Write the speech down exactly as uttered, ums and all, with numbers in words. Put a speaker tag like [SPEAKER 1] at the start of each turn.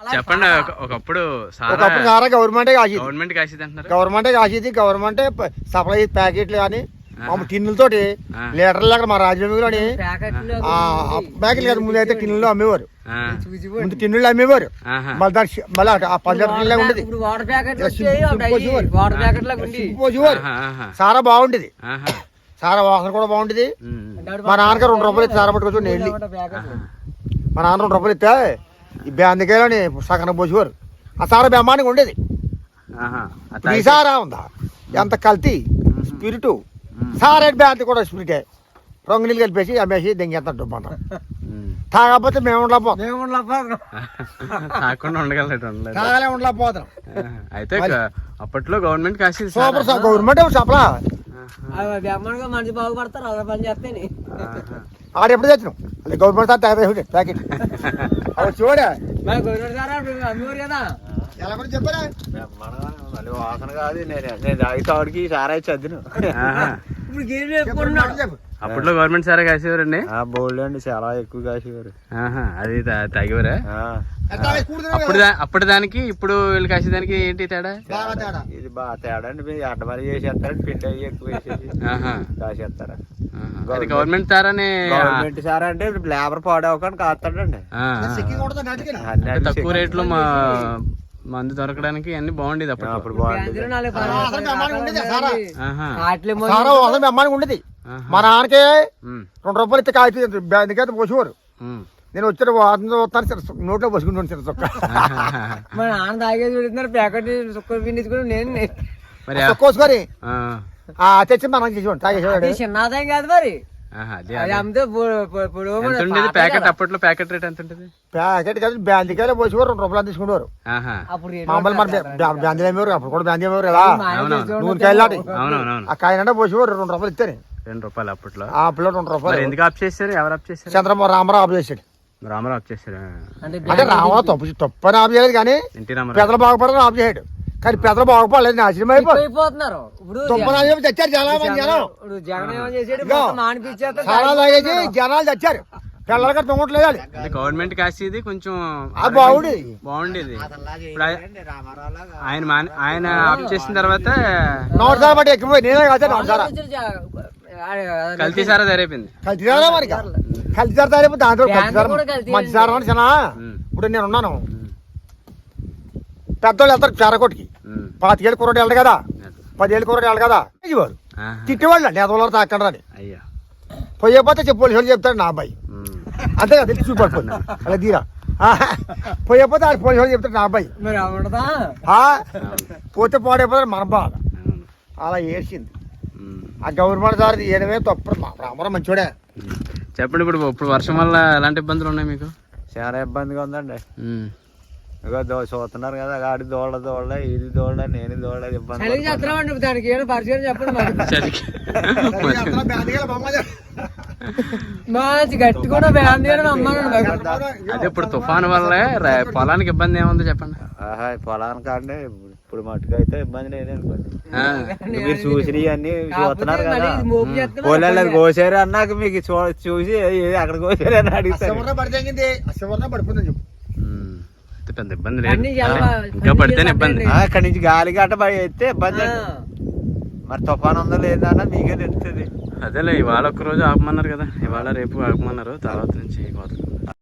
[SPEAKER 1] చెప్పండి. ఒకప్పుడు
[SPEAKER 2] ఒకప్పుడు సారా గవర్నమెంటే కాసేది,
[SPEAKER 1] గవర్నమెంట్ కాసేది అంటున్నారు.
[SPEAKER 2] గవర్నమెంటే కాసేది, గవర్నమెంటే సప్లై ప్యాకెట్లు కానీ టిన్నులతోటి లీటర్లు అక్కడ మా రాజ్యంలోని ప్యాకెట్లు కదా ముందు అయితే టిన్నుల్లో అమ్మేవారు, ముందు టిన్నుల్లో అమ్మేవారు. మళ్ళీ దాని మళ్ళీ ఆ పది లీటర్లా ఉండేది పోసేవారు. సారా బాగుండేది, సారా వాసన కూడా బాగుండేది. మా నాన్నగారు రెండు రూపాయలు ఇస్తే సారా పట్టుకొచ్చి వెళ్ళి మా నాన్న రెండు రూపాయలు ఇస్తే ఈ బ్యాందికాయలని సగన పోసేవారు. ఆ సారా బ్రహ్మాండంగా ఉండేది. ఈ సారా ఉందా ఎంత కల్తీ స్పిరిటు, సారా బ్యాంతి కూడా స్పిరిటే, రంగు నీళ్ళు కలిపేసి అమ్మేసి దెంగేస్తాం డబ్బు అంటారు. తాగకపోతే మేము ఉండలేకపోతాం,
[SPEAKER 1] తాగకుండా ఉండగలరు,
[SPEAKER 2] తాగలే ఉండలేకపోతాం.
[SPEAKER 1] అయితే అప్పట్లో గవర్నమెంట్ కాసేది,
[SPEAKER 2] సూపర్ సార్ గవర్నమెంట్ సప్లా.
[SPEAKER 3] మనిషి బాగుపడతారు అలా పని చేస్తే
[SPEAKER 2] ఆడ ఎప్పుడు తెచ్చినాం అది గవర్నమెంట్ సార్ తయారు ప్యాకెట్ చూడే
[SPEAKER 3] అమ్మేవారు కదా.
[SPEAKER 2] ఎలా కూడా చెప్పారా
[SPEAKER 4] మళ్ళీ వాసన కాదు. నేను నేను తాగితాడికి సారా చదిను.
[SPEAKER 1] అప్పట్లో గవర్నమెంట్ సారా కాసేవారండి.
[SPEAKER 4] బోల్డ్ అండి చాలా ఎక్కువ కాసేవారు.
[SPEAKER 1] అది తాగేవారా? అప్పుడు అప్పుడు దానికి ఇప్పుడు వీళ్ళు కాసేదానికి ఏంటి తేడా?
[SPEAKER 4] ఇది బాగా తేడా అండి. అడ్డమరి చేసేస్తారండి, పిండి అయ్యి ఎక్కువ వేసేసి కాసేస్తారా.
[SPEAKER 1] గవర్నమెంట్ సారానే
[SPEAKER 4] గవర్నమెంట్ సారా అంటే లేబర్ పాడవకుండా కాస్తాడండి.
[SPEAKER 1] తక్కువ రేట్లో మా మందు దొరకడానికి అన్ని బాగుండేది అప్పుడు.
[SPEAKER 4] అప్పుడు బాగుండేది.
[SPEAKER 2] అమ్మానికి ఉండేది. మా నాన్నకే రెండు రూపాయలు ఇస్తే కాగితం బ్యాందికైతే పోసేవారు. నేను వచ్చిన వస్తాను నోట్లో పోసుకుంటాను చిన్న చొక్క.
[SPEAKER 3] మా నాన్న తాగేది పెడుతున్నారు ప్యాకెట్ సుక్క పిండించుకుని నేను
[SPEAKER 2] కోసుకొని తెచ్చి మనం చేసేవాడు తాగేసేవాడు.
[SPEAKER 3] చిన్నదాం కాదు మరి
[SPEAKER 1] ప్యాకెట్. అప్పట్లో ప్యాకెట్ రేట్ ఎంత ఉంటుంది?
[SPEAKER 2] ప్యాకెట్ కాదు బ్యాందికాయలు పోసేవారు, రెండు రూపాయలు తీసుకునేవారు. మామూలు మన బ్యాందీ అమ్మేవారు, అప్పుడు కూడా బ్యాందీ అమ్మేవారు కదా. నూనె కాయలు నాటి ఆ కాయనంటే పోసేవారు, రెండు రూపాయలు ఇస్తే
[SPEAKER 1] రెండు రూపాయలు అప్పట్లో.
[SPEAKER 2] అప్పుడు రెండు రూపాయలు.
[SPEAKER 1] ఎందుకు ఆఫ్ చేశారు? ఎవరు ఆఫ్ చేశారు?
[SPEAKER 2] చంద్రబాబు రామారావు ఆఫ్ చేశాడు.
[SPEAKER 1] రామారావు ఆఫ్ చేశారు
[SPEAKER 2] అంటే రామారావు తప్పు తప్పని ఆఫ్ చేయలేదు, కానీ పెద్దలు బాగుపడని ఆఫ్ చేయడు. కానీ పెద్దలు బాగుపడలేదు, నాశనం
[SPEAKER 3] అయిపోతున్నారు.
[SPEAKER 2] చచ్చారు చాలా మంది జనం, చాలా తాగేసి జనాలు చచ్చారు. పిల్లలకి తొంగట్లేదు.
[SPEAKER 1] గవర్నమెంట్ కాసేది కొంచెం
[SPEAKER 2] బాగుండేది
[SPEAKER 1] బాగుండేది ఆయన ఆయన ఆఫ్ చేసిన తర్వాత
[SPEAKER 2] నోట్ సారా బట్టి ఎక్కువ నేనే కాదు నోట్ సారా
[SPEAKER 1] కల్తీ సారా తయారైపోయింది.
[SPEAKER 2] కల్తీ సారా మరి కల్తీ సారా తయారైపోయింది. దాంట్లో మంచి సారా అని చిన్న ఇప్పుడు నేను ఉన్నాను. పెద్దోళ్ళు వెళ్తారు చారకొట్టుకి, పాతికేళ్ళు కుర్రోడు వెళ్ళడు కదా, పదిహేళ్ళు కుర్రోడు వెళ్ళడు కదా. వారు తిట్టేవాళ్ళు నేతలు తాకండి అని. పోయేపోతే చెప్పు పోలీసు చెప్తాడు నా అబ్బాయి, అంతే కదా తెలిసి చూపడిపోయింది అలా తీరా. పోయేపోతే ఆడు పోలీసు చెప్తాడు నా అబ్బాయి, పోతే పాడైపోతాడు మన బాధ. అలా వేసింది ఆ గవర్నమెంట్ సార్ ఏడమే తప్పు. రామారావు మంచోడే.
[SPEAKER 1] చెప్పండి. ఇప్పుడు ఇప్పుడు వర్షం వల్ల ఎలాంటి ఇబ్బందులు ఉన్నాయి మీకు?
[SPEAKER 4] చాలా ఇబ్బందిగా ఉందండి. ఇక దో చూస్తున్నారు కదా, ఆడి దోళ్ళ దోళ్ళ ఇది దోళ్ళ నేను దోళ్ళ ఇబ్బంది.
[SPEAKER 3] దానికి ఏదో పరిచయం చెప్పండి. గట్టి కూడా
[SPEAKER 1] అదే ఇప్పుడు తుఫాను వల్ల పొలానికి ఇబ్బంది ఏముందో చెప్పండి.
[SPEAKER 4] ఆహా పొలానికి అంటే ఇప్పుడు మట్టుకు అయితే ఇబ్బంది లేదనుకోండి. మీరు చూసి అన్ని చూస్తున్నారు కదా, పొలాలు కోసారు అన్నాక మీకు చూసి అక్కడ కోసారు అని అడిగితే
[SPEAKER 2] పడిపోతుంది.
[SPEAKER 1] పెద్ద ఇబ్బంది లేదు, ఇంకా పడితేనే ఇబ్బంది.
[SPEAKER 4] అక్కడి నుంచి గాలి గట్ట అయితే ఇబ్బంది. మరి తుఫాను ఉందో లేదా అన్న మీకే తెలుస్తుంది.
[SPEAKER 1] అదేలే ఇవాళ ఒక్క రోజు ఆపమన్నారు కదా, ఇవాళ రేపు ఆపమన్నారు, తర్వాత నుంచి